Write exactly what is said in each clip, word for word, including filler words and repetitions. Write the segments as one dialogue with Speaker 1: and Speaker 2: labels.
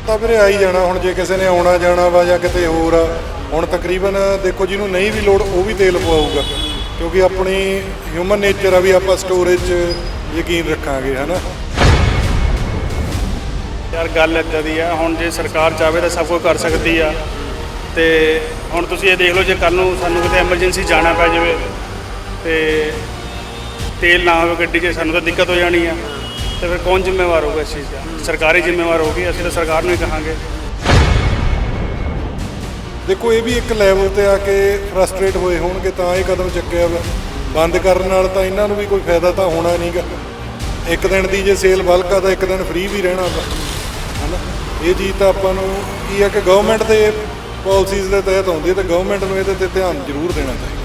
Speaker 1: ਤਾਂ ਵੀਰੇ ਆ ਹੀ ਜਾਣਾ ਹੁਣ ਜੇ ਕਿਸੇ ਨੇ ਆਉਣਾ ਜਾਣਾ ਵਾ ਜਾਂ ਕਿਤੇ ਹੋਰ ਆ। ਹੁਣ ਤਕਰੀਬਨ ਦੇਖੋ ਜਿਹਨੂੰ ਨਹੀਂ ਵੀ ਲੋੜ ਉਹ ਵੀ ਤੇਲ ਪਵਾਊਗਾ, ਕਿਉਂਕਿ ਆਪਣੀ ਹਿਊਮਨ ਨੇਚਰ ਆ ਵੀ ਆਪਾਂ ਸਟੋਰੇਜ 'ਚ ਯਕੀਨ ਰੱਖਾਂਗੇ, ਹੈ ਨਾ।
Speaker 2: ਯਾਰ ਗੱਲ ਇੱਦਾਂ ਦੀ ਆ, ਹੁਣ ਜੇ ਸਰਕਾਰ ਚਾਹਵੇ ਤਾਂ ਸਭ ਕੁਝ ਕਰ ਸਕਦੀ ਆ। ਤੇ ਹੁਣ ਤੁਸੀਂ ਇਹ ਦੇਖ ਲਓ, ਜੇ ਕੱਲ੍ਹ ਨੂੰ ਸਾਨੂੰ ਕਿਤੇ ਐਮਰਜੈਂਸੀ ਜਾਣਾ ਪੈ ਜਾਵੇ ਤੇ ਤੇਲ ਨਾ ਹੋਵੇ ਗੱਡੀ 'ਚ, ਸਾਨੂੰ ਤਾਂ ਦਿੱਕਤ ਹੋ ਜਾਣੀ ਆ। ਤੇ ਫਿਰ ਕੌਣ ਜ਼ਿੰਮੇਵਾਰ ਹੋਊਗਾ ਇਸ ਚੀਜ਼ ਦਾ? ਸਰਕਾਰ ਹੀ ਜ਼ਿੰਮੇਵਾਰ ਹੋਊਗੀ। ਅਸੀਂ ਤਾਂ ਸਰਕਾਰ ਨੂੰ ਹੀ ਕਹਾਂਗੇ।
Speaker 1: ਦੇਖੋ ਇਹ ਵੀ ਇੱਕ ਲੈਵਲ ਤੇ ਆ ਕੇ ਫਰਸਟ੍ਰੇਟ ਹੋਏ ਹੋਣਗੇ ਤਾਂ ਇਹ ਕਦਮ ਚੱਕਿਆ ਵਾ। ਬੰਦ ਕਰਨ ਨਾਲ ਤਾਂ ਇਹਨਾਂ ਨੂੰ ਵੀ ਕੋਈ ਫਾਇਦਾ ਤਾਂ ਹੋਣਾ ਨਹੀਂਗਾ। ਇੱਕ ਦਿਨ ਦੀ ਜੇ ਸੇਲ ਬਲਕ ਆ ਤਾਂ ਇੱਕ ਦਿਨ ਫ੍ਰੀ ਵੀ ਰਹਿਣਾ ਵਾ, ਹੈ ਨਾ। ਇਹ ਚੀਜ਼ ਤਾਂ ਆਪਾਂ ਨੂੰ ਕੀ ਆ ਕਿ ਗਵਰਨਮੈਂਟ ਦੇ ਪਾਲਿਸੀਜ਼ ਦੇ ਤਹਿਤ ਆਉਂਦੀ ਹੈ ਤੇ ਗਵਰਨਮੈਂਟ ਨੂੰ ਇਹਦੇ ਤੇ ਧਿਆਨ ਜ਼ਰੂਰ ਦੇਣਾ ਚਾਹੀਦਾ।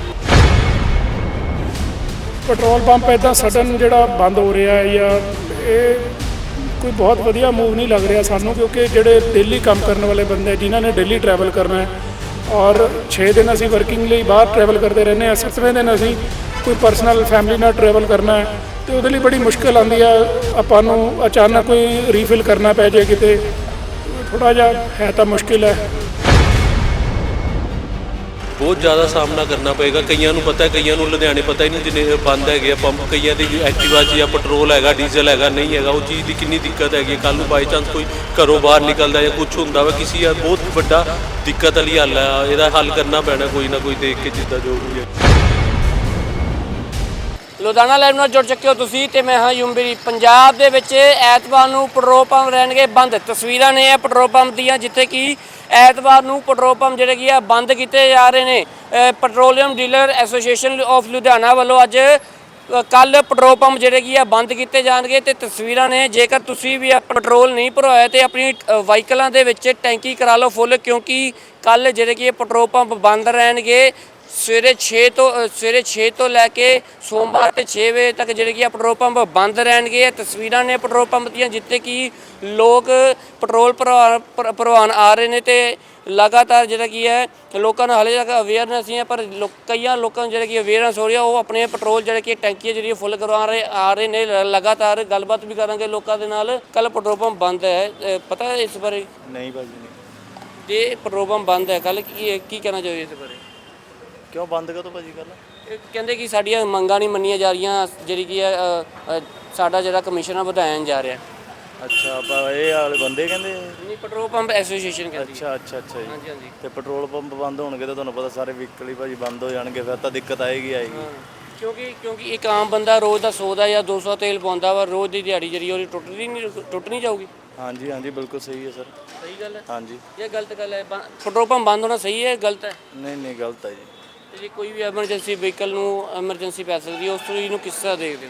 Speaker 3: ਪੈਟਰੋਲ ਪੰਪ ਇੱਦਾਂ ਸਡਨ ਜਿਹੜਾ ਬੰਦ ਹੋ ਰਿਹਾ ਹੈ ਜਾਂ ਇਹ ਕੋਈ ਬਹੁਤ ਵਧੀਆ ਮੂਵ ਨਹੀਂ ਲੱਗ ਰਿਹਾ ਸਾਨੂੰ, ਕਿਉਂਕਿ ਜਿਹੜੇ ਡੇਲੀ ਕੰਮ ਕਰਨ ਵਾਲੇ ਬੰਦੇ ਜਿਨ੍ਹਾਂ ਨੇ ਡੇਲੀ ਟਰੈਵਲ ਕਰਨਾ ਹੈ ਔਰ ਛੇ ਦਿਨ ਅਸੀਂ ਵਰਕਿੰਗ ਲਈ ਬਾਹਰ ਟਰੈਵਲ ਕਰਦੇ ਰਹਿੰਦੇ ਹਾਂ, ਸੱਤਵੇਂ ਦਿਨ ਅਸੀਂ ਕੋਈ ਪਰਸਨਲ ਫੈਮਿਲੀ ਨਾਲ ਟਰੈਵਲ ਕਰਨਾ ਹੈ ਅਤੇ ਉਹਦੇ ਲਈ ਬੜੀ ਮੁਸ਼ਕਿਲ ਆਉਂਦੀ ਆ। ਆਪਾਂ ਨੂੰ ਅਚਾਨਕ ਕੋਈ ਰੀਫਿਲ ਕਰਨਾ ਪੈ ਜਾਏ ਕਿਤੇ, ਥੋੜ੍ਹਾ ਜਿਹਾ ਹੈ ਤਾਂ ਮੁਸ਼ਕਿਲ ਹੈ।
Speaker 4: ਬਹੁਤ ਜ਼ਿਆਦਾ ਸਾਹਮਣਾ ਕਰਨਾ ਪਏਗਾ। ਕਈਆਂ ਨੂੰ ਪਤਾ, ਕਈਆਂ ਨੂੰ ਲੁਧਿਆਣੇ ਪਤਾ ਹੀ ਨਹੀਂ ਜਿੰਨੇ ਬੰਦ ਹੈਗੇ ਆ ਪੰਪ। ਕਈਆਂ ਦੀ ਐਕਟਿਵਾ 'ਚ ਜਾਂ ਪੈਟਰੋਲ ਹੈਗਾ, ਡੀਜ਼ਲ ਹੈਗਾ, ਨਹੀਂ ਹੈਗਾ। ਉਹ ਚੀਜ਼ ਦੀ ਕਿੰਨੀ ਦਿੱਕਤ ਹੈਗੀ। ਕੱਲ੍ਹ ਨੂੰ ਬਾਈ ਚਾਂਸ ਕੋਈ ਘਰੋਂ ਬਾਹਰ ਨਿਕਲਦਾ ਜਾਂ ਕੁਛ ਹੁੰਦਾ ਵਾ, ਕਿਸੇ ਯਾਰ ਬਹੁਤ ਵੱਡਾ ਦਿੱਕਤ ਵਾਲੀ ਹੱਲ ਹੈ। ਇਹਦਾ ਹੱਲ ਕਰਨਾ ਪੈਣਾ ਕੋਈ ਨਾ ਕੋਈ, ਦੇਖ ਕੇ ਜਿੱਦਾਂ ਜੋ ਵੀ ਹੈ।
Speaker 5: ਲੁਧਿਆਣਾ ਲਾਈਵ ਨਾਲ ਜੁੜ ਚੁੱਕੇ ਹੋ ਤੁਸੀਂ ਤੇ ਮੈਂ ਹਾਂ ਯੂਮਬਰੀ। ਪੰਜਾਬ ਦੇ ਵਿੱਚ ਐਤਵਾਰ ਨੂੰ ਪੈਟਰੋਲ ਪੰਪ ਰਹਿਣਗੇ ਬੰਦ। ਤਸਵੀਰਾਂ ਨੇ ਇਹ ਪੈਟਰੋਲ ਪੰਪ ਦੀਆਂ, ਜਿੱਥੇ ਕਿ ਐਤਵਾਰ ਨੂੰ ਪੈਟਰੋਲ ਪੰਪ ਜਿਹੜੇ ਕੀ ਆ ਬੰਦ ਕੀਤੇ ਜਾ ਰਹੇ ਨੇ। Petroleum dealer association of Ludhiana ਵੱਲੋਂ ਅੱਜ ਕੱਲ੍ਹ ਪੈਟਰੋਲ ਪੰਪ ਜਿਹੜੇ ਕੀ ਆ ਬੰਦ ਕੀਤੇ ਜਾਣਗੇ। ਤੇ ਤਸਵੀਰਾਂ ਨੇ, ਜੇਕਰ ਤੁਸੀਂ ਵੀ ਪੈਟਰੋਲ ਨਹੀਂ ਭਰਵਾਇਆ ਤੇ ਆਪਣੀ ਵਾਹੀਕਲਾਂ ਦੇ ਵਿੱਚ ਟੈਂਕੀ ਕਰਾ ਲਓ ਫੁੱਲ, ਕਿਉਂਕਿ ਕੱਲ੍ਹ ਜਿਹੜੇ ਕੀ ਪੈਟਰੋਲ ਪੰਪ ਬੰਦ ਰਹਿਣਗੇ। ਸਵੇਰੇ ਛੇ ਤੋਂ ਸਵੇਰੇ ਛੇ ਤੋਂ ਲੈ ਕੇ ਸੋਮਵਾਰ ਤੇ ਛੇ ਵਜੇ ਤੱਕ ਜਿਹੜੇ ਕੀ ਆ ਪੈਟਰੋਲ ਪੰਪ ਬੰਦ ਰਹਿਣਗੇ। ਤਸਵੀਰਾਂ ਨੇ ਪੈਟਰੋਲ ਪੰਪ ਦੀਆਂ, ਜਿੱਥੇ ਕਿ ਲੋਕ ਪੈਟਰੋਲ ਭਰਵਾ ਭਰਵਾਉਣ ਆ ਰਹੇ ਨੇ ਤੇ ਲਗਾਤਾਰ ਜਿਹੜਾ ਕੀ ਹੈ ਲੋਕਾਂ ਨੂੰ ਹਾਲੇ ਤੱਕ ਅਵੇਅਰਨੈਸ ਨਹੀਂ ਹੈ, ਪਰ ਲੋਕ ਕਈਆਂ ਲੋਕਾਂ ਨੂੰ ਜਿਹੜੇ ਕਿ ਅਵੇਅਰਨੈਸ ਹੋ ਰਹੀ ਆ, ਉਹ ਆਪਣੇ ਪੈਟਰੋਲ ਜਿਹੜੇ ਕਿ ਟੈਂਕੀਆਂ ਜਿਹੜੀਆਂ ਫੁੱਲ ਕਰਵਾ ਰਹੇ ਆ ਰਹੇ ਨੇ। ਲਗਾਤਾਰ ਗੱਲਬਾਤ ਵੀ ਕਰਾਂਗੇ ਲੋਕਾਂ ਦੇ ਨਾਲ। ਕੱਲ੍ਹ ਪੈਟਰੋਲ ਪੰਪ ਬੰਦ ਹੈ, ਪਤਾ ਹੈ ਇਸ ਬਾਰੇ?
Speaker 2: ਨਹੀਂ ਭਾਜੀ ਨਹੀਂ।
Speaker 5: ਜੇ ਪੈਟਰੋਲ ਪੰਪ ਬੰਦ ਹੈ ਕੱਲ੍ਹ, ਕੀ ਕੀ ਕਹਿਣਾ ਚਾਹੀਏ ਇਸ ਬਾਰੇ?
Speaker 2: ਕਿਉਂ ਬੰਦ ਕਦੋਂ ਭਾਜੀ ਕੱਲ੍ਹ?
Speaker 5: ਇਹ ਕਹਿੰਦੇ ਕਿ ਸਾਡੀਆਂ ਮੰਗਾਂ ਨਹੀਂ ਮੰਨੀਆਂ ਜਾ ਰਹੀਆਂ, ਜਿਹੜੀ ਕੀ ਹੈ ਸਾਡਾ ਜਿਹੜਾ ਕਮਿਸ਼ਨ ਆ ਵਧਾਇਆ ਜਾ ਰਿਹਾ।
Speaker 2: ਅੱਛਾ, ਆਪਾਂ ਇਹ ਵਾਲੇ ਬੰਦੇ ਕਹਿੰਦੇ
Speaker 5: ਨਹੀਂ, ਪੈਟਰੋਲ ਪੰਪ ਐਸੋਸੀਏਸ਼ਨ ਕਹਿੰਦੀ।
Speaker 2: ਅੱਛਾ ਅੱਛਾ ਅੱਛਾ ਜੀ।
Speaker 5: ਹਾਂਜੀ ਹਾਂਜੀ।
Speaker 2: ਤੇ ਪੈਟਰੋਲ ਪੰਪ ਬੰਦ ਹੋਣਗੇ ਤਾਂ ਤੁਹਾਨੂੰ ਪਤਾ ਸਾਰੇ ਵਹੀਕਲ ਹੀ ਭਾਜੀ ਬੰਦ ਹੋ ਜਾਣਗੇ, ਫਿਰ ਤਾਂ ਦਿੱਕਤ ਆਏਗੀ ਆਏਗੀ।
Speaker 5: ਕਿਉਂਕਿ ਕਿਉਂਕਿ ਇੱਕ ਆਮ ਬੰਦਾ ਰੋਜ਼ ਦਾ ਸੌ ਦਾ ਜਾਂ ਦੋ ਸੌ ਤੇਲ ਪਾਉਂਦਾ ਵਾ, ਰੋਜ਼ ਦੀ ਦਿਹਾੜੀ ਜਿਹੜੀ ਉਹਦੀ ਟੁੱਟਦੀ ਨਹੀਂ ਟੁੱਟ ਨਹੀਂ ਜਾਊਗੀ।
Speaker 2: ਹਾਂਜੀ ਹਾਂਜੀ ਬਿਲਕੁਲ ਸਹੀ ਹੈ ਸਰ।
Speaker 5: ਸਹੀ ਗੱਲ ਹੈ।
Speaker 2: ਹਾਂਜੀ,
Speaker 5: ਇਹ ਗਲਤ ਗੱਲ ਹੈ? ਪੈਟਰੋਲ ਪੰਪ ਬੰਦ ਹੋਣਾ ਸਹੀ ਹੈ ਗਲਤ ਹੈ?
Speaker 2: ਨਹੀਂ ਨਹੀਂ ਗਲਤ ਹੈ ਜੀ।
Speaker 5: ਤੇ ਜੇ ਕੋਈ ਵੀ ਐਮਰਜੈਂਸੀ ਵਹੀਕਲ ਨੂੰ ਐਮਰਜੈਂਸੀ ਪੈ ਸਕਦੀ ਹੈ, ਉਸ ਚੀਜ਼ ਨੂੰ ਕਿਸ ਤਰ੍ਹਾਂ ਦੇਖਦੇ ਹੋ?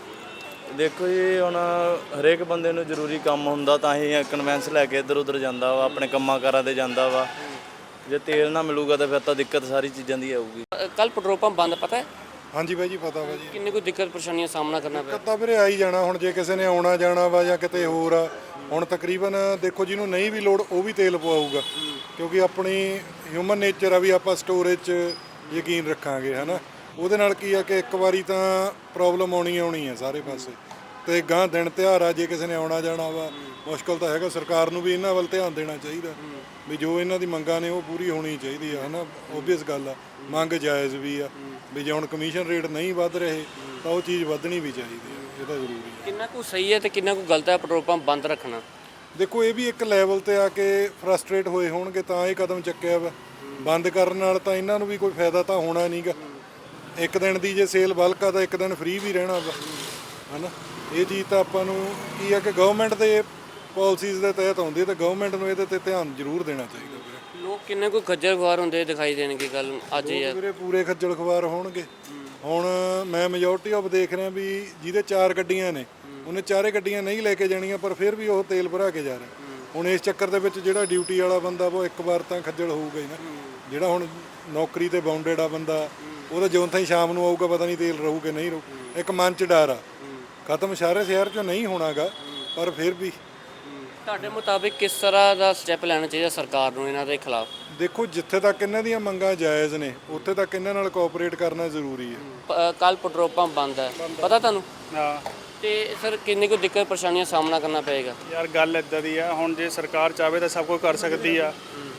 Speaker 2: ਦੇਖੋ ਜੀ, ਹੁਣ ਹਰੇਕ ਬੰਦੇ ਨੂੰ ਜ਼ਰੂਰੀ ਕੰਮ ਹੁੰਦਾ ਤਾਂ ਹੀ ਕਨਵੈਂਸ ਲੈ ਕੇ ਇੱਧਰ ਉੱਧਰ ਜਾਂਦਾ ਵਾ, ਆਪਣੇ ਕੰਮਾਂ ਕਾਰਾਂ 'ਤੇ ਜਾਂਦਾ ਵਾ। ਜੇ ਤੇਲ ਨਾ ਮਿਲੂਗਾ ਤਾਂ ਫਿਰ ਤਾਂ ਦਿੱਕਤ ਸਾਰੀ ਚੀਜ਼ਾਂ ਦੀ ਆਊਗੀ।
Speaker 5: ਕੱਲ੍ਹ ਪੈਟਰੋਲ ਪੰਪ ਬੰਦ, ਪਤਾ ਹੈ?
Speaker 1: ਹਾਂਜੀ ਬਾਈ ਜੀ, ਪਤਾ ਵਾ ਜੀ।
Speaker 5: ਕਿੰਨੀ ਕੋਈ ਦਿੱਕਤ ਪਰੇਸ਼ਾਨੀਆਂ ਦਾ ਸਾਹਮਣਾ ਕਰਨਾ ਪਿਆ?
Speaker 1: ਤਾਂ ਵੀਰੇ ਆ ਹੀ ਜਾਣਾ ਹੁਣ ਜੇ ਕਿਸੇ ਨੇ ਆਉਣਾ ਜਾਣਾ ਵਾ ਜਾਂ ਕਿਤੇ ਹੋਰ ਆ। ਹੁਣ ਤਕਰੀਬਨ ਦੇਖੋ ਜਿਹਨੂੰ ਨਹੀਂ ਵੀ ਲੋੜ ਉਹ ਵੀ ਤੇਲ ਪਵਾਊਗਾ, ਕਿਉਂਕਿ ਆਪਣੀ ਹਿਊਮਨ ਨੇਚਰ ਆ ਵੀ ਆਪਾਂ ਸਟੋਰੇਜ 'ਚ ਯਕੀਨ ਰੱਖਾਂਗੇ, ਹੈ ਨਾ। ਉਹਦੇ ਨਾਲ ਕੀ ਆ ਕਿ ਇੱਕ ਵਾਰੀ ਤਾਂ ਪ੍ਰੋਬਲਮ ਆਉਣੀ ਆਉਣੀ ਆ ਸਾਰੇ ਪਾਸੇ। ਤੇ ਗਾਂ ਦਿਨ ਤਿਉਹਾਰ ਆ, ਜੇ ਕਿਸੇ ਨੇ ਆਉਣਾ ਜਾਣਾ ਵਾ ਮੁਸ਼ਕਲ ਤਾਂ ਹੈਗਾ। ਸਰਕਾਰ ਨੂੰ ਵੀ ਇਹਨਾਂ ਵੱਲ ਧਿਆਨ ਦੇਣਾ ਚਾਹੀਦਾ ਵੀ ਜੋ ਇਹਨਾਂ ਦੀ ਮੰਗਾਂ ਨੇ ਉਹ ਪੂਰੀ ਹੋਣੀ ਚਾਹੀਦੀ ਆ, ਹੈ ਨਾ। ਓਬਵੀਅਸ ਗੱਲ ਆ, ਮੰਗ ਜਾਇਜ਼ ਵੀ ਆ ਵੀ ਜੇ ਹੁਣ ਕਮਿਸ਼ਨ ਰੇਟ ਨਹੀਂ ਵੱਧ ਰਹੇ ਤਾਂ ਉਹ ਚੀਜ਼ ਵਧਣੀ ਵੀ ਚਾਹੀਦੀ ਆ, ਇਹ ਤਾਂ ਜ਼ਰੂਰੀ ਹੈ।
Speaker 5: ਕਿੰਨਾ ਕੁ ਸਹੀ ਹੈ ਤੇ ਕਿੰਨਾ ਕੁ ਗਲਤ ਹੈ ਪੈਟਰੋਲ ਪੰਪ ਬੰਦ ਰੱਖਣਾ?
Speaker 1: ਦੇਖੋ ਇਹ ਵੀ ਇੱਕ ਲੈਵਲ ਤੇ ਆ ਕੇ ਫਰਸਟ੍ਰੇਟ ਹੋਏ ਹੋਣਗੇ ਤਾਂ ਇਹ ਕਦਮ ਚੱਕਿਆ ਵਾ। ਬੰਦ ਕਰਨ ਨਾਲ ਤਾਂ ਇਹਨਾਂ ਨੂੰ ਵੀ ਕੋਈ ਫਾਇਦਾ ਤਾਂ ਹੋਣਾ ਨਹੀਂਗਾ। ਇੱਕ ਦਿਨ ਦੀ ਜੇ ਸੇਲ ਬਲਕ ਆ ਤਾਂ ਇੱਕ ਦਿਨ ਫ੍ਰੀ ਵੀ ਰਹਿਣਾ ਵਾ, ਹੈ ਨਾ। ਇਹ ਚੀਜ਼ ਤਾਂ ਆਪਾਂ ਨੂੰ ਕੀ ਆ ਕਿ ਗਵਰਨਮੈਂਟ ਦੇ ਪਾਲਿਸੀਜ਼ ਦੇ ਤਹਿਤ ਆਉਂਦੀ ਹੈ ਤੇ ਗਵਰਨਮੈਂਟ ਨੂੰ ਇਹਦੇ ਤੇ ਧਿਆਨ ਜ਼ਰੂਰ ਦੇਣਾ ਚਾਹੀਦਾ ਵੀਰੇ।
Speaker 5: ਲੋਕ ਕਿੰਨੇ ਕੋਈ ਖੱਜਲ ਖੁਆਰ ਹੁੰਦੇ ਦਿਖਾਈ ਦੇਣਗੇ ਕੱਲ ਅੱਜ ਯਾਰ?
Speaker 1: ਵੀਰੇ ਪੂਰੇ ਖੱਜਲ ਖੁਆਰ ਹੋਣਗੇ। ਹੁਣ ਮੈਂ ਮੈਜੋਰਟੀ ਆਫ ਦੇਖ ਰਿਹਾ ਵੀ ਜਿਹਦੇ ਚਾਰ ਗੱਡੀਆਂ ਨੇ ਉਹਨੇ ਚਾਰੇ ਗੱਡੀਆਂ ਨਹੀਂ ਲੈ ਕੇ ਜਾਣੀਆਂ, ਪਰ ਫਿਰ ਵੀ ਉਹ ਤੇਲ ਭਰਾ ਕੇ ਜਾ ਰਿਹਾ। ਹੁਣ ਇਸ ਚੱਕਰ ਦੇ ਵਿੱਚ ਜਿਹੜਾ ਡਿਊਟੀ ਵਾਲਾ ਬੰਦਾ ਉਹ ਇੱਕ ਵਾਰ ਤਾਂ ਖੱਜਲ ਹੋਊਗਾ ਹੀ ਨਾ। ਜਿਹੜਾ ਹੁਣ ਨੌਕਰੀ ਤੇ ਬਾਉਂਡਡ ਆ ਬੰਦਾ, ਉਹਦਾ ਜਿਉਂ ਤਾਈਂ ਸ਼ਾਮ ਨੂੰ ਆਊਗਾ ਪਤਾ ਨਹੀਂ ਤੇਲ ਰਹੂ ਕਿ ਨਹੀਂ ਰਹੂ। ਇੱਕ ਮਨ 'ਚ ਡਰ ਆ, ਖਤਮ ਸਾਰੇ ਸ਼ਹਿਰ 'ਚੋਂ ਨਹੀਂ ਹੋਣਾਗਾ, ਪਰ ਫਿਰ ਵੀ।
Speaker 5: ਤੁਹਾਡੇ ਮੁਤਾਬਿਕ ਕਿਸ ਤਰ੍ਹਾਂ ਦਾ ਸਟੈਪ ਲੈਣਾ ਚਾਹੀਦਾ ਸਰਕਾਰ ਨੂੰ ਇਹਨਾਂ ਦੇ ਖਿਲਾਫ?
Speaker 1: ਦੇਖੋ ਜਿੱਥੇ ਤੱਕ ਇਹਨਾਂ ਦੀਆਂ ਮੰਗਾਂ ਜਾਇਜ਼ ਨੇ ਉੱਥੇ ਤੱਕ ਇਹਨਾਂ ਨਾਲ ਕੋਆਪਰੇਟ ਕਰਨਾ ਜ਼ਰੂਰੀ ਹੈ।
Speaker 5: ਕੱਲ ਪੈਟਰੋਲ ਪੰਪ ਬੰਦ ਹੈ, ਪਤਾ ਤੁਹਾਨੂੰ?
Speaker 2: ਹਾਂ
Speaker 5: ਤੇ ਸਰ ਕਿੰਨੀ ਕੁ ਦਿੱਕਤ ਪਰੇਸ਼ਾਨੀਆਂ ਦਾ ਸਾਹਮਣਾ ਕਰਨਾ ਪਏਗਾ?
Speaker 2: ਯਾਰ ਗੱਲ ਇਦਾਂ ਦੀ ਆ, ਹੁਣ ਜੇ ਸਰਕਾਰ ਚਾਹਵੇ ਤਾਂ ਸਭ ਕੁਝ ਕਰ ਸਕਦੀ ਆ।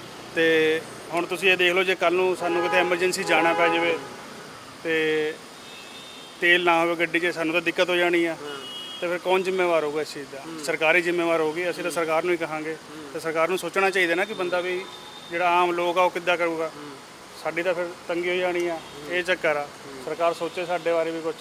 Speaker 2: ਤੇ ਹੁਣ ਤੁਸੀਂ ਇਹ ਦੇਖ ਲਓ, ਜੇ ਕੱਲ ਨੂੰ ਸਾਨੂੰ ਕਿਤੇ ਐਮਰਜੈਂਸੀ ਜਾਣਾ ਪੈ ਜਾਵੇ ਤੇ ਤੇਲ ਨਾ ਹੋਵੇ ਗੱਡੀ 'ਚ, ਸਾਨੂੰ ਤਾਂ ਦਿੱਕਤ ਹੋ ਜਾਣੀ ਆ। ਤੇ ਫਿਰ ਕੌਣ ਜ਼ਿੰਮੇਵਾਰ ਹੋਊਗਾ ਇਸ ਚੀਜ਼ ਦਾ? ਸਰਕਾਰ ਹੀ ਜ਼ਿੰਮੇਵਾਰ ਹੋਊਗੀ। ਅਸੀਂ ਤਾਂ ਸਰਕਾਰ ਨੂੰ ਹੀ ਕਹਾਂਗੇ, ਤੇ ਸਰਕਾਰ ਨੂੰ ਸੋਚਣਾ ਚਾਹੀਦਾ ਨਾ ਕਿ ਬੰਦਾ ਵੀ ਜਿਹੜਾ ਆਮ ਲੋਕ ਆ ਉਹ ਕਿੱਦਾਂ ਕਰੂਗਾ। ਸਾਡੀ ਤਾਂ ਫਿਰ ਤੰਗੀ ਹੋ ਜਾਣੀ ਆ, ਇਹ ਚੱਕਰ ਆ। ਸਰਕਾਰ ਸੋਚੇ ਸਾਡੇ ਬਾਰੇ ਵੀ ਕੁਝ।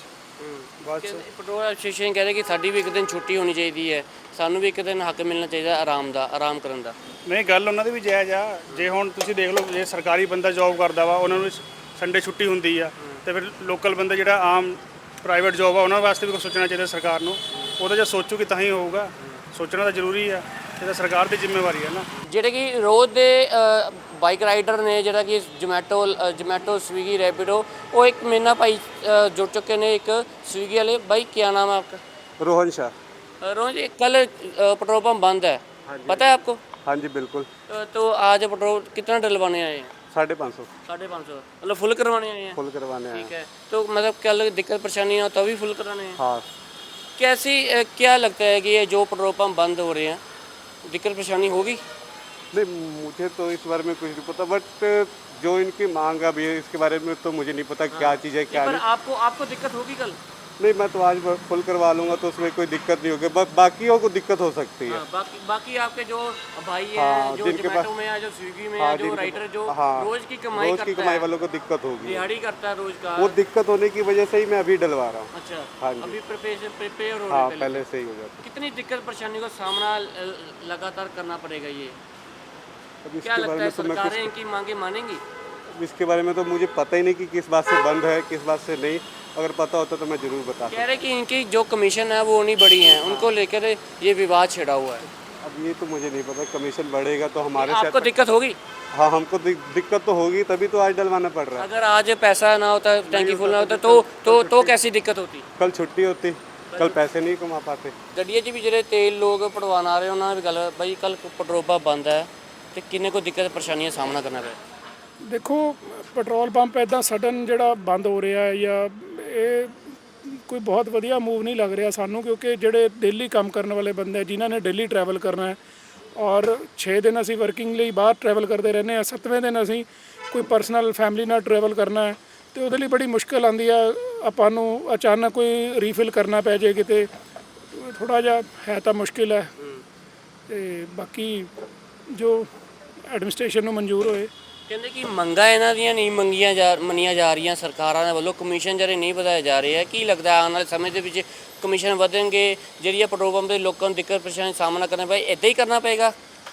Speaker 2: ਬਸ
Speaker 5: ਪੈਟਰੋਲ ਐਸੋਸੀਏਸ਼ਨ ਕਹਿ ਰਹੇ ਕਿ ਸਾਡੀ ਵੀ ਇੱਕ ਦਿਨ ਛੁੱਟੀ ਹੋਣੀ ਚਾਹੀਦੀ ਹੈ, ਸਾਨੂੰ ਵੀ ਇੱਕ ਦਿਨ ਹੱਕ ਮਿਲਣਾ ਚਾਹੀਦਾ ਆਰਾਮ ਦਾ, ਆਰਾਮ ਕਰਨ ਦਾ।
Speaker 2: ਨਹੀਂ, ਗੱਲ ਉਹਨਾਂ ਦੀ ਵੀ ਜਾਇਜ਼ ਆ। ਜੇ ਹੁਣ ਤੁਸੀਂ ਦੇਖ ਲਓ, ਜੇ ਸਰਕਾਰੀ ਬੰਦਾ ਜੌਬ ਕਰਦਾ ਵਾ, ਉਹਨਾਂ ਨੂੰ ਸੰਡੇ ਛੁੱਟੀ ਹੁੰਦੀ ਆ, ਤੇ ਫਿਰ ਲੋਕਲ ਬੰਦਾ ਜਿਹੜਾ ਆਮ ਪ੍ਰਾਈਵੇਟ ਜੌਬ ਆ, ਉਹਨਾਂ ਵਾਸਤੇ ਵੀ ਕੁਛ ਸੋਚਣਾ ਚਾਹੀਦਾ ਸਰਕਾਰ ਨੂੰ। ਉਹਦਾ ਜੇ ਸੋਚੂਗੀ ਤਾਂ ਹੀ ਹੋਊਗਾ, ਸੋਚਣਾ ਤਾਂ ਜ਼ਰੂਰੀ ਆ। ਇਹ ਤਾਂ ਸਰਕਾਰ ਦੀ ਜ਼ਿੰਮੇਵਾਰੀ ਹੈ ਨਾ।
Speaker 5: ਜਿਹੜੇ ਕਿ ਰੋਜ਼ ਦੇ ਬਾਈਕ ਰਾਈਡਰ ਨੇ, ਜਿਹੜਾ ਕਿ ਜੋਮੈਟੋ ਜੋਮੈਟੋ ਸਵੀਗੀ ਰੈਪਿਡੋ, ਉਹ ਇੱਕ ਮੇਰੇ ਨਾਲ ਭਾਈ ਅ, ਜੁੜ ਚੁੱਕੇ ਨੇ, ਇੱਕ स्विगी वाले। भाई क्या नाम है आपका?
Speaker 6: रोहन शाह।
Speaker 5: अ, रोहन जी, कल अ, पेट्रोल पंप बंद है, पता है आपको?
Speaker 6: हाँ जी बिल्कुल।
Speaker 5: अ, तो आज पेट्रोल कितना डलवाने आए हैं?
Speaker 6: साढ़े पाँच सौ
Speaker 5: साढ़े पाँच सौ मतलब फुल करवाने आए हैं?
Speaker 6: फुल करवाने हैं।
Speaker 5: ठीक है, तो मतलब कल दिक्कत परेशानी हो तभी फुल कराने हैं?
Speaker 6: हाँ।
Speaker 5: कैसी अ, क्या लगता है कि ये जो पेट्रोल पंप बंद हो रहे हैं, दिक्कत परेशानी होगी?
Speaker 6: नहीं, मुझे तो इस बारे में कुछ नहीं पता, बट जो इनकी मांग अभी है इसके बारे में तो मुझे नहीं पता क्या चीज़ है क्या
Speaker 5: पर
Speaker 6: नहीं।
Speaker 5: आपको आपको दिक्कत होगी कल?
Speaker 6: नहीं, मैं तो आज फुल करवा लूँगा तो उसमें कोई दिक्कत नहीं होगी, बस बाकियों को दिक्कत हो सकती है।
Speaker 5: हाँ, बाकी बाकी आपके जो भाई हैं,
Speaker 6: हाँ,
Speaker 5: जो
Speaker 6: जिनके
Speaker 5: जोमेटो
Speaker 6: पास-
Speaker 5: में है, जो स्विगी में
Speaker 6: हाँ,
Speaker 5: है, जो
Speaker 6: जिनके-
Speaker 5: राइडर जो
Speaker 6: हाँ,
Speaker 5: रोज की कमाई
Speaker 6: रोज की
Speaker 5: करता
Speaker 6: कमाई
Speaker 5: है,
Speaker 6: वालों को दिक्कत होगी।
Speaker 5: दिहाड़ी करता है रोज का।
Speaker 6: वो दिक्कत होने की वजह से ही मैं अभी डलवा रहा हूँ।
Speaker 5: अच्छा,
Speaker 6: हाँ जी।
Speaker 5: अभी प्रिपेयर प्रिपेयर हो
Speaker 6: हाँ,
Speaker 5: रहे
Speaker 6: पहले से ही हो जाता
Speaker 5: कितनी दिक्कत परेशानी का सामना ल- लगातार करना पड़ेगा ये?
Speaker 6: है। अब
Speaker 5: क्या
Speaker 6: इसके बारे
Speaker 5: लगता है
Speaker 6: में तो मैं
Speaker 5: सरकारें इनकी मांगे मानेंगी?
Speaker 6: कुछ इसके बारे में तो मुझे पता ही नहीं कि किस बात से बंद है किस बात से नहीं। अगर पता होता तो मैं ज़रूर बता
Speaker 5: कह रहे कि इनकी जो कमीशन है वो नहीं बढ़ी है, उनको लेकर ये विवाद छिड़ा हुआ है।
Speaker 6: अब ये तो मुझे नहीं पता, कमीशन बढ़ेगा तो हमारे
Speaker 5: आपको
Speaker 6: साथ।
Speaker 5: दिक्कत होगी?
Speaker 6: हाँ, हमको दिक- दिक्कत तो होगी, तभी तो आज डलवाना पड़ रहा है।
Speaker 5: अगर आज पैसा ना होता, टैंकी फुल ना होता, तो तो तो कैसी दिक्कत होती?
Speaker 6: कल छुट्टी होती, कल पैसे नहीं कमा पाते।
Speaker 5: ਗੱਡੀਆਂ 'ਚ ਵੀ ਜਿਹੜੇ ਤੇਲ ਲੋਕ ਪੜਵਾਉਣ ਆ ਰਹੇ ਉਹਨਾਂ ਨਾਲ ਵੀ ਗੱਲ ਬਾਈ, ਕੱਲ ਪੈਟਰੋਲ ਪੰਪ ਬੰਦ ਹੈ ਤੇ ਕਿੰਨੇ ਕੋ ਦਿੱਕਤ ਪਰੇਸ਼ਾਨੀਆਂ ਦਾ ਸਾਹਮਣਾ ਕਰਨਾ ਪਿਆ?
Speaker 3: ਦੇਖੋ, ਪੈਟਰੋਲ ਪੰਪ ਇਦਾਂ ਸਡਨ ਜਿਹੜਾ ਬੰਦ ਹੋ ਰਿਹਾ ਹੈ ਜਾਂ ਇਹ ਕੋਈ ਬਹੁਤ ਵਧੀਆ ਮੂਵ ਨਹੀਂ ਲੱਗ ਰਿਹਾ ਸਾਨੂੰ, ਕਿਉਂਕਿ ਜਿਹੜੇ ਡੇਲੀ ਕੰਮ ਕਰਨ ਵਾਲੇ ਬੰਦੇ ਜਿਨ੍ਹਾਂ ਨੇ ਡੇਲੀ ਟਰੈਵਲ ਕਰਨਾ ਹੈ, ਔਰ ਛੇ ਦਿਨ ਅਸੀਂ ਵਰਕਿੰਗ ਲਈ ਬਾਹਰ ਟਰੈਵਲ ਕਰਦੇ ਰਹਿੰਦੇ ਹਾਂ, ਸੱਤਵੇਂ ਦਿਨ ਅਸੀਂ ਕੋਈ ਪਰਸਨਲ ਫੈਮਿਲੀ ਨਾਲ ਟਰੈਵਲ ਕਰਨਾ ਹੈ, ਤੇ ਉਹਦੇ ਲਈ ਬੜੀ ਮੁਸ਼ਕਿਲ ਆਉਂਦੀ ਆ। ਆਪਾਂ ਨੂੰ ਅਚਾਨਕ ਕੋਈ ਰੀਫਿਲ ਕਰਨਾ ਪੈ ਜੇ ਕਿਤੇ, ਥੋੜ੍ਹਾ ਜਿਹਾ ਹੈ ਤਾਂ ਮੁਸ਼ਕਿਲ ਹੈ। ਤੇ ਬਾਕੀ ਜੋ ਐਡਮਿਨਿਸਟ੍ਰੇਸ਼ਨ ਨੂੰ ਮਨਜ਼ੂਰ ਹੋਏ।
Speaker 5: ਕਹਿੰਦੇ ਕਿ ਮੰਗਾਂ ਇਹਨਾਂ ਦੀਆਂ ਨਹੀਂ ਮੰਗੀਆਂ ਜਾ ਮੰਨੀਆਂ ਜਾ ਰਹੀਆਂ ਸਰਕਾਰਾਂ ਦੇ ਵੱਲੋਂ, ਕਮਿਸ਼ਨ ਜਿਹੜੇ ਨਹੀਂ ਵਧਾਏ ਜਾ ਰਹੇ ਹੈ। ਕੀ ਲੱਗਦਾ ਆਉਣ ਵਾਲੇ ਸਮੇਂ ਦੇ ਵਿੱਚ ਕਮਿਸ਼ਨ ਵਧਣਗੇ, ਜਿਹੜੀ ਪੈਟਰੋਲ ਪੰਪ ਦੇ ਲੋਕਾਂ ਨੂੰ ਦਿੱਕਤ ਪਰੇਸ਼ਾਨੀ ਦਾ ਸਾਹਮਣਾ ਕਰਨਾ ਪਏ, ਇੱਦਾਂ ਹੀ ਕਰਨਾ ਪਏਗਾ?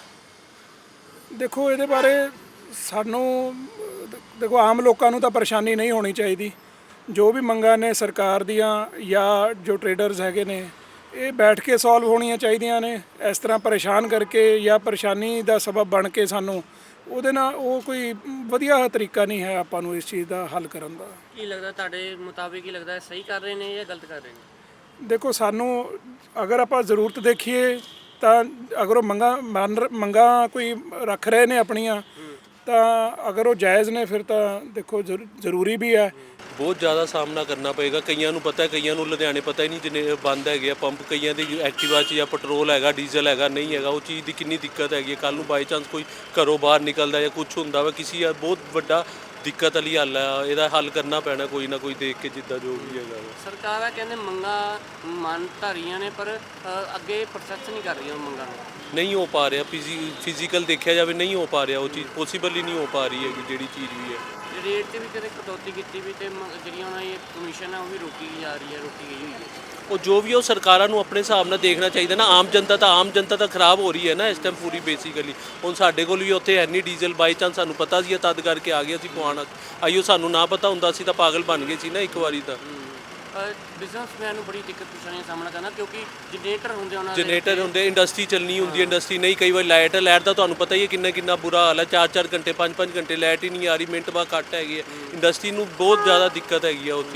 Speaker 3: ਦੇਖੋ, ਇਹਦੇ ਬਾਰੇ ਸਾਨੂੰ ਦੇਖੋ ਆਮ ਲੋਕਾਂ ਨੂੰ ਤਾਂ ਪਰੇਸ਼ਾਨੀ ਨਹੀਂ ਹੋਣੀ ਚਾਹੀਦੀ। ਜੋ ਵੀ ਮੰਗਾਂ ਨੇ ਸਰਕਾਰ ਦੀਆਂ ਜਾਂ ਜੋ ਟਰੇਡਰਸ ਹੈਗੇ ਨੇ, ਇਹ ਬੈਠ ਕੇ ਸੋਲਵ ਹੋਣੀਆਂ ਚਾਹੀਦੀਆਂ ਨੇ। ਇਸ ਤਰ੍ਹਾਂ ਪਰੇਸ਼ਾਨ ਕਰਕੇ ਜਾਂ ਪਰੇਸ਼ਾਨੀ ਦਾ ਸਬਬ ਬਣ ਕੇ ਸਾਨੂੰ ਉਹਦੇ ਨਾਲ, ਉਹ ਕੋਈ ਵਧੀਆ ਤਰੀਕਾ ਨਹੀਂ ਹੈ ਆਪਾਂ ਨੂੰ ਇਸ ਚੀਜ਼ ਦਾ ਹੱਲ ਕਰਨ ਦਾ।
Speaker 5: ਕੀ ਲੱਗਦਾ ਤੁਹਾਡੇ ਮੁਤਾਬਿਕ, ਕੀ ਲੱਗਦਾ ਸਹੀ ਕਰ ਰਹੇ ਨੇ ਜਾਂ ਗਲਤ ਕਰ ਰਹੇ ਨੇ?
Speaker 3: ਦੇਖੋ, ਸਾਨੂੰ ਅਗਰ ਆਪਾਂ ਜ਼ਰੂਰਤ ਦੇਖੀਏ ਤਾਂ ਅਗਰ ਉਹ ਮੰਗਾਂ ਮੰਨ ਮੰਗਾਂ ਕੋਈ ਰੱਖ ਰਹੇ ਨੇ ਆਪਣੀਆਂ, ਤਾਂ ਅਗਰ ਉਹ ਜਾਇਜ਼ ਨੇ ਫਿਰ ਤਾਂ ਦੇਖੋ ਜ਼ਰੂ- ਜ਼ਰੂਰੀ ਵੀ ਹੈ।
Speaker 4: ਬਹੁਤ ਜ਼ਿਆਦਾ ਸਾਹਮਣਾ ਕਰਨਾ ਪਏਗਾ। ਕਈਆਂ ਨੂੰ ਪਤਾ ਹੈ, ਕਈਆਂ ਨੂੰ ਲੁਧਿਆਣੇ ਪਤਾ ਹੀ ਨਹੀਂ ਜਿੰਨੇ ਬੰਦ ਹੈਗੇ ਆ ਪੰਪ। ਕਈਆਂ ਦੀ ਐਕਟਿਵਾ 'ਚ ਜਾਂ ਪੈਟਰੋਲ ਹੈਗਾ, ਡੀਜ਼ਲ ਹੈਗਾ, ਨਹੀਂ ਹੈਗਾ, ਉਹ ਚੀਜ਼ ਦੀ ਕਿੰਨੀ ਦਿੱਕਤ ਹੈਗੀ ਹੈ। ਕੱਲ ਨੂੰ ਬਾਈ ਚਾਂਸ ਕੋਈ ਘਰੋਂ ਬਾਹਰ ਨਿਕਲਦਾ ਜਾਂ ਕੁਝ ਹੁੰਦਾ ਵਾ, ਕਿਸੇ ਆ ਬਹੁਤ ਵੱਡਾ ਦਿੱਕਤ ਵਾਲੀ ਹੱਲ ਹੈ। ਇਹਦਾ ਹੱਲ ਕਰਨਾ ਪੈਣਾ ਕੋਈ ਨਾ ਕੋਈ ਦੇਖ ਕੇ, ਜਿੱਦਾਂ ਜੋ ਵੀ ਹੈਗਾ ਵਾ।
Speaker 5: ਸਰਕਾਰਾਂ ਕਹਿੰਦੇ ਮੰਗਾਂ ਮੰਨ ਤਾਂ ਰਹੀਆਂ ਨੇ, ਪਰ ਅ, ਅੱਗੇ ਪ੍ਰੋਸੈਸ ਨਹੀਂ ਕਰ ਰਹੀਆਂ ਉਹ ਮੰਗਾਂ ਨੂੰ।
Speaker 4: ਨਹੀਂ ਹੋ ਪਾ ਰਿਹਾ, ਫਿਜ਼ੀ ਫਿਜ਼ੀਕਲ ਦੇਖਿਆ ਜਾਵੇ ਨਹੀਂ ਹੋ ਪਾ ਰਿਹਾ, ਉਹ ਚੀਜ਼ ਪੋਸੀਬਲ ਹੀ ਨਹੀਂ ਹੋ ਪਾ ਰਹੀ ਹੈਗੀ ਜਿਹੜੀ ਚੀਜ਼ ਵੀ ਹੈ।
Speaker 5: ਰੇਟ 'ਚ ਵੀ ਕਦੇ ਕਟੌਤੀ ਕੀਤੀ ਵੀ, ਤੇ ਮ- ਜਿਹੜੀਆਂ ਉਹਨਾਂ ਦੀ ਕਮਿਸ਼ਨ ਹੈ ਉਹ ਵੀ ਰੋਕੀ ਜਾ ਰਹੀ ਹੈ, ਰੋਕੀ ਗਈ ਹੋਈ ਹੈ।
Speaker 4: ਉਹ ਜੋ ਵੀ ਹੈ ਉਹ ਸਰਕਾਰਾਂ ਨੂੰ ਆਪਣੇ ਹਿਸਾਬ ਨਾਲ ਦੇਖਣਾ ਚਾਹੀਦਾ ਨਾ। ਆਮ ਜਨਤਾ ਤਾਂ ਆਮ ਜਨਤਾ ਤਾਂ ਖਰਾਬ ਹੋ ਰਹੀ ਹੈ ਨਾ ਇਸ ਟਾਈਮ ਪੂਰੀ ਬੇਸਿਕਲੀ। ਹੁਣ ਸਾਡੇ ਕੋਲ ਵੀ ਉੱਥੇ ਹੈ ਨਹੀਂ ਡੀਜ਼ਲ, ਬਾਈ ਚਾਂਸ ਸਾਨੂੰ ਪਤਾ ਸੀ ਤਦ ਕਰਕੇ ਆ ਗਏ ਅਸੀਂ ਪਵਾਉਣ। ਆਈਓ ਸਾਨੂੰ ਨਾ ਪਤਾ ਹੁੰਦਾ ਸੀ ਤਾਂ ਪਾਗਲ ਬਣ ਗਏ ਸੀ ਨਾ ਇੱਕ ਵਾਰੀ ਤਾਂ।
Speaker 5: ਬਿਜ਼ਨਸਮੈਨ ਨੂੰ ਬੜੀ ਦਿੱਕਤ ਪਰੇਸ਼ਾਨੀ ਦਾ ਸਾਹਮਣਾ ਕਰਨਾ, ਕਿਉਂਕਿ ਜਨਰੇਟਰ ਹੁੰਦੇ ਉਹਨਾਂ ਦੇ
Speaker 4: ਜਨਰੇਟਰ ਹੁੰਦੇ, ਇੰਡਸਟਰੀ ਚੱਲਣੀ ਹੁੰਦੀ ਹੈ, ਇੰਡਸਟਰੀ ਨਹੀਂ, ਕਈ ਵਾਰ ਲਾਈਟ ਲਾਈਟ ਦਾ ਤੁਹਾਨੂੰ ਪਤਾ ਹੀ ਹੈ ਕਿੰਨਾ ਕਿੰਨਾ ਬੁਰਾ ਹਾਲ ਹੈ। ਚਾਰ ਚਾਰ ਘੰਟੇ ਪੰਜ ਪੰਜ ਘੰਟੇ ਲਾਈਟ ਹੀ ਨਹੀਂ ਆ ਰਹੀ, ਮਿੰਟ ਬਾਅਦ ਕੱਟ ਹੈਗੀ ਹੈ। ਇੰਡਸਟਰੀ ਨੂੰ ਬਹੁਤ ਜ਼ਿਆਦਾ ਦਿੱਕਤ ਹੈਗੀ ਹੈ ਉਹ ਚੀਜ਼।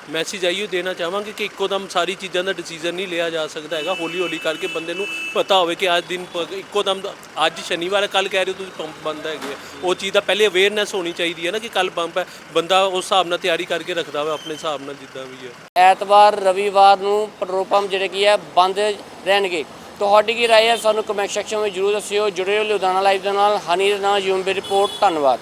Speaker 4: ਮੈਸੇਜ ਆਈਓ ਦੇਣਾ ਚਾਹਾਂਗੇ ਕਿ ਇੱਕੋ ਦਮ ਸਾਰੀ ਚੀਜ਼ਾਂ ਦਾ ਡਿਸੀਜਨ ਨਹੀਂ ਲਿਆ ਜਾ ਸਕਦਾ ਹੈਗਾ। ਹੌਲੀ ਹੌਲੀ ਕਰਕੇ ਬੰਦੇ ਨੂੰ ਪਤਾ ਹੋਵੇ ਕਿ ਅੱਜ ਦਿਨ ਪ- ਇੱਕੋ ਦਮ ਅੱਜ ਸ਼ਨੀਵਾਰ ਹੈ, ਕੱਲ ਕਹਿ ਰਹੇ ਹੋ ਤੁਸੀਂ ਪੰਪ ਬੰਦ ਹੈਗੇ ਆ, ਉਹ ਚੀਜ਼ ਦਾ ਪਹਿਲੇ ਅਵੇਅਰਨੈਸ ਹੋਣੀ ਚਾਹੀਦੀ ਹੈ ਨਾ ਕਿ ਕੱਲ ਪੰਪ ਹੈ, ਬੰਦਾ ਉਸ ਹਿਸਾਬ ਨਾਲ ਤਿਆਰੀ ਕਰਕੇ ਰੱਖਦਾ ਵਾ ਆਪਣੇ ਹਿਸਾਬ ਨਾਲ ਜਿੱਦਾਂ ਵੀ ਹੈ।
Speaker 5: ਐਤਵਾਰ ਰਵੀਵਾਰ ਨੂੰ ਪੈਟਰੋਲ ਪੰਪ ਜਿਹੜੇ ਕੀ ਹੈ ਬੰਦ ਰਹਿਣਗੇ। ਤੁਹਾਡੀ ਕੀ ਰਾਏ ਹੈ ਸਾਨੂੰ ਕਮੈਂਟ ਸੈਕਸ਼ਨ ਵਿੱਚ ਜਰੂਰ ਦੱਸਿਓ। ਜੁੜੇ ਰਹੋ ਲੁਧਿਆਣਾ ਲਾਈਵ ਦੇ ਨਾਲ। ਹਨੀ ਦੇ ਨਾਲ ਯੂਐਮਬੀ ਰਿਪੋਰਟ। ਧੰਨਵਾਦ।